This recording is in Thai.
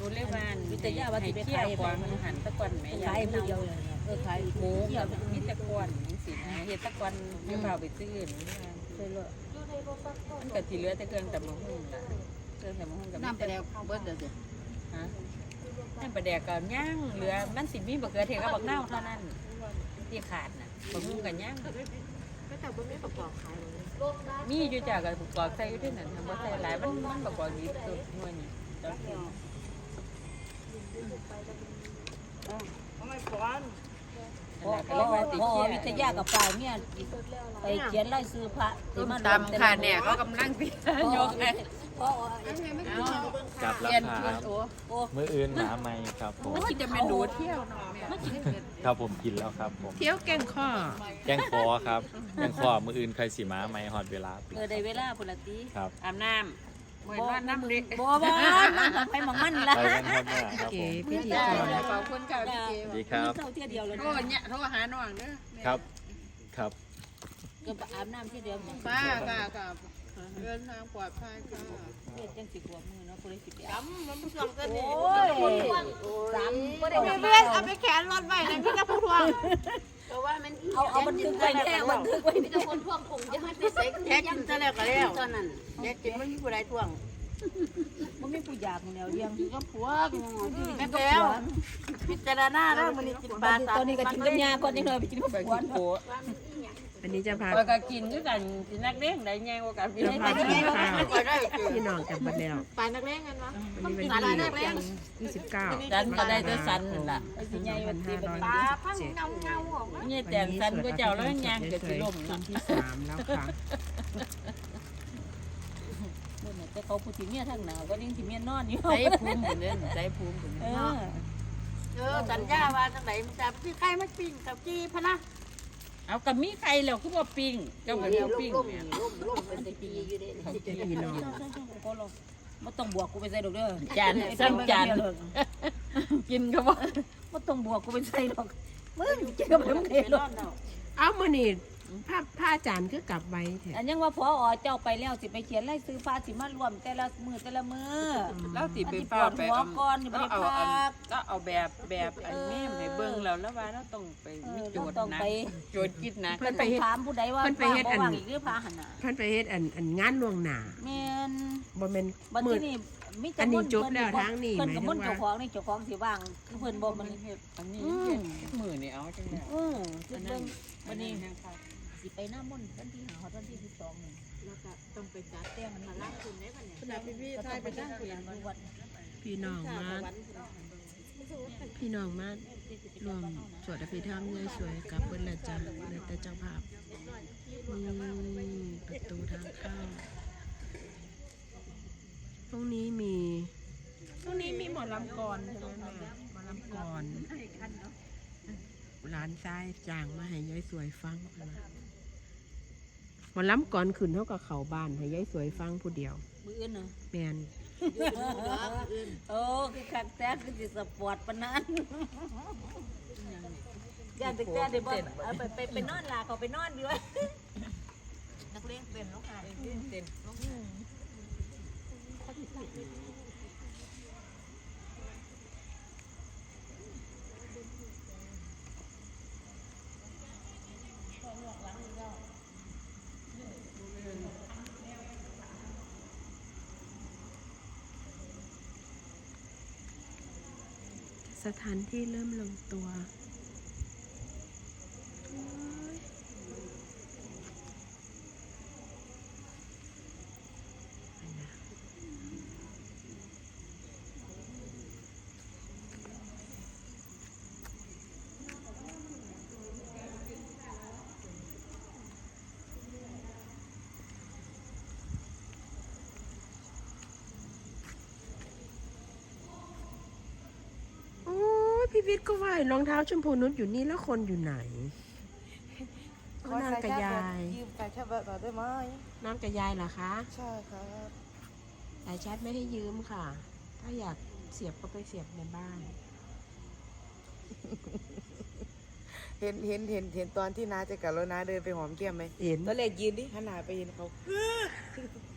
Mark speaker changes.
Speaker 1: นูเรียกว่า
Speaker 2: วิทยาวัตถุไป
Speaker 1: เที่ย
Speaker 2: ขายว
Speaker 1: กวางหันตะกอนแม่
Speaker 2: ขายมือเดียวเลยขาย
Speaker 1: หมูกับมิตะกอนสิเฮ็ดตะกอนเดี๋ยวเปล่าไปซื้ออื่น
Speaker 2: ใช่เลย
Speaker 1: มันก็สิเหลือแต่เครื่องตำบักหุ่งล่ะเครื่องตำบักหุ่งกับ
Speaker 3: น้ำปลาแดกเบิดเด้อสิ
Speaker 1: ฮะน้ำปลาแดกก็ย่างเหลือมันสิมีบักเขือเทศกับบักนาวเท่านั้นที่ขาดน่ะบักหุ่งก็ย่าง
Speaker 3: ก็แต่บ่มีประกอบขายเลย
Speaker 1: มีอยู่จ้ะก็ประกอบใส่อยู่ที่นั่นทำบ่ใส่หลายมันประกอบดีสุดหน่วยนี่จ้ะ
Speaker 3: ทำไมก่อน
Speaker 2: พอวิทยากับฝ่ายเนี่ยไปเขียนไล่ซื้อพระ
Speaker 1: ตามค่ะเนี่ยเขากำลังสิยกให้
Speaker 2: พ่อ
Speaker 4: จับรา
Speaker 1: เรียน
Speaker 4: คา
Speaker 1: โอ้
Speaker 4: มืออื่นหาไม่ครับผม
Speaker 1: มันสิจะเมนูเที่ยวเนาะแม่
Speaker 4: ครับผมกินแล้วครับผม
Speaker 1: เที่ยวแก่งข้อ
Speaker 4: แกงคอครับแกงคอมืออื่นใครสีม้าไม่หอดเวลาปิด
Speaker 2: ได้เวลาพุ่นละติ
Speaker 4: ครับ
Speaker 1: อาบน้ำเหมือนว่าน้ำเด็ก
Speaker 2: บ่มันไปหมองมันละ
Speaker 4: ไปกันครับแม่ครับผม
Speaker 1: พิธีกรขอบคุณค่ะพี่เจ
Speaker 4: ดีครับ
Speaker 2: เท่าเที่ยวเดียวเลย
Speaker 1: โทรเนี่ยโทรหาน้องเด้อ
Speaker 4: ครับครับ
Speaker 2: ก็อาบน้ำที่เดียว
Speaker 1: ป้ากับเดินทางปลอดภัยค่ะ
Speaker 2: เฮ็ดจังสิกว่ามือเนาะบ่ได้สิไป
Speaker 3: จำมันผู้ทวงกันนี่
Speaker 2: โอ้ย3บ่ได้
Speaker 3: เพื่อนเอาไปแขนรถไว้นะพี่กับผู้ทวงแต่ว่ามัน
Speaker 2: เอาบันทึกไว้แค่บันทึกไว้
Speaker 3: มีแต่คนทวงคงจะให้ไปใส่แค่กินซะแล้วก็แล้วตอนนั้นแค่กินไม่มีผู้ใดทวง
Speaker 2: บ่มีผู้อยากแนวเลี้ยง
Speaker 3: ก็ผัวแม่แล้วพิจารณาแล้วมันนี่กินปลา
Speaker 2: ตอนนี้ก็กินกับยาก่อนจังเลยไปกินกับ
Speaker 1: ไป
Speaker 2: ผัว
Speaker 1: กินโผ
Speaker 5: อันนี้จะพา
Speaker 1: แล้วก็กินด้วยกันกินนักเลี้ยงได้ไงว่ากันพี่
Speaker 5: จะพากินข้าว
Speaker 3: ก็ได้
Speaker 5: พี่น้องกลับมาแล้ว
Speaker 3: ปลานักเลงกันวะ
Speaker 5: วันนี้
Speaker 3: ปลา
Speaker 5: วัน
Speaker 3: นักเล
Speaker 5: ที่
Speaker 3: ง
Speaker 5: 29
Speaker 1: สันก็ได้แต่สันนั่นล่ะ
Speaker 3: ปลาพังเงาเงาออกมา
Speaker 1: นี่แต่สันก็เจ้าแล้วยังเกิดสิลม
Speaker 5: วันที่3แล้วค่ะ
Speaker 2: แต่เขาพูดถึงเมียทางหนาวก็ยังที่เมียนอนอยู่
Speaker 1: ใจภูมิคนนั้นใจภูมิคน
Speaker 2: เอ
Speaker 1: นั้น
Speaker 2: อ
Speaker 3: สัญญาว่าจังไหนมันจะพี่ใครมาปิ้งกับจีพะนะ
Speaker 1: เอากับมีใครแล้วคือว่าปิ้งเจ้าเหมือนเขาปิ้ง
Speaker 3: ล่ม
Speaker 1: เนี่ย
Speaker 3: ล่มเป็นตะกี้อยู่เด้
Speaker 5: พี่น้อง
Speaker 2: ก็ลงไม่ต้องบวกกูไปใส่ดอกเด้อ
Speaker 1: จานซ้ำจานกินก็ว่า
Speaker 2: ไม่ต้องบวกกูไปใส่ดอกมึงกินกับมึงเองหรอก
Speaker 5: เอามื้อนี้ผ้าจานคือกลับไว้แท้
Speaker 2: อันยังว่าพอเจ้าไปแล้วสิไปเขียนไล่ซื้อฟ้าสิมารวมแต่ละมือ
Speaker 1: แล้วสิไปฟ้าไปก็เอาแบบอันนี้ให้เบิ่งแล้วว่าเราต้องไปมีโจทย์นะโจทย์คิดนะ
Speaker 2: เพิ่นต้องถามผู้ใดว่าฟ้าบ่ว่างอีกหรือพาหันน่ะ
Speaker 5: เพิ่นไปเฮ็ดอันงานล่วงหน้า
Speaker 2: แม่น
Speaker 5: บ่แม่น
Speaker 2: บัด
Speaker 5: มื้อ
Speaker 2: นี้มี
Speaker 5: อันนี้จบแล้วทางนี้
Speaker 2: เพิ่น
Speaker 5: หมาย
Speaker 2: กับ
Speaker 5: ถึง
Speaker 2: มุ่น
Speaker 5: ว่า
Speaker 2: เจ้าของนี่เจ้าของสิว่างคือเพิ่นบ่มัน
Speaker 1: อันนี้มือนี่เอาจังได๋
Speaker 2: คือเบิ่งวันนี้สิไปหน้ามุ่นวันที่5ฮอดวันที่12นี่
Speaker 3: แล้วก็ต้องไปจัดแต้มมันมาล้างคุณได้ป่ะเนี่ย
Speaker 2: ขนาดพี่ทายไปนั่งคุยกันวัด
Speaker 5: พี่น้องมารวมสวดอภิธรรมยายสวยกับเพิ่นละจ้ะเหลือแต่เจ้าภาพนี่ประตูทางเข้าตรงนี้มีหมอลำกรใช่ไหมแม่หมอลำกรร้านซ้ายจ้างมาให้ยายสวยฟังนะหมอลำกรขึ้นเท่ากับเขาบ้านให้ยายสวยฟังผู้เดียว
Speaker 2: มื้ออื่นน่ะ
Speaker 5: แมน
Speaker 2: โอ้คือคักแท้คือสิสปอร์ตปานนั้นย่านตึกแต่ได้บ่เอาไปนอนลาเขาไปนอนดีวะนักเรียนเป็นลูกหาเต้น
Speaker 5: สถานที่เริ่มลงตัวพี่วิทย์ก็ว่ารองเท้าชมพูนุชอยู่นี่แล้วคนอยู่ไหนก็นางกับยาย
Speaker 3: ยืมไปแค่แบบได้ไหม
Speaker 5: นางกับยายเหรอคะ
Speaker 3: ใช่ครับ
Speaker 5: สายชาร์จไม่ให้ยืมค่ะ ถ้าอยากเสียบก็ไปเสียบในบ้าน
Speaker 3: เห็นตอนที่น้าจะกลับแล้วน้าเดินไปหอมแก้มไหม
Speaker 5: เห็น
Speaker 3: ตอนแรกยืนดิหันหน้าไปเห็นเขา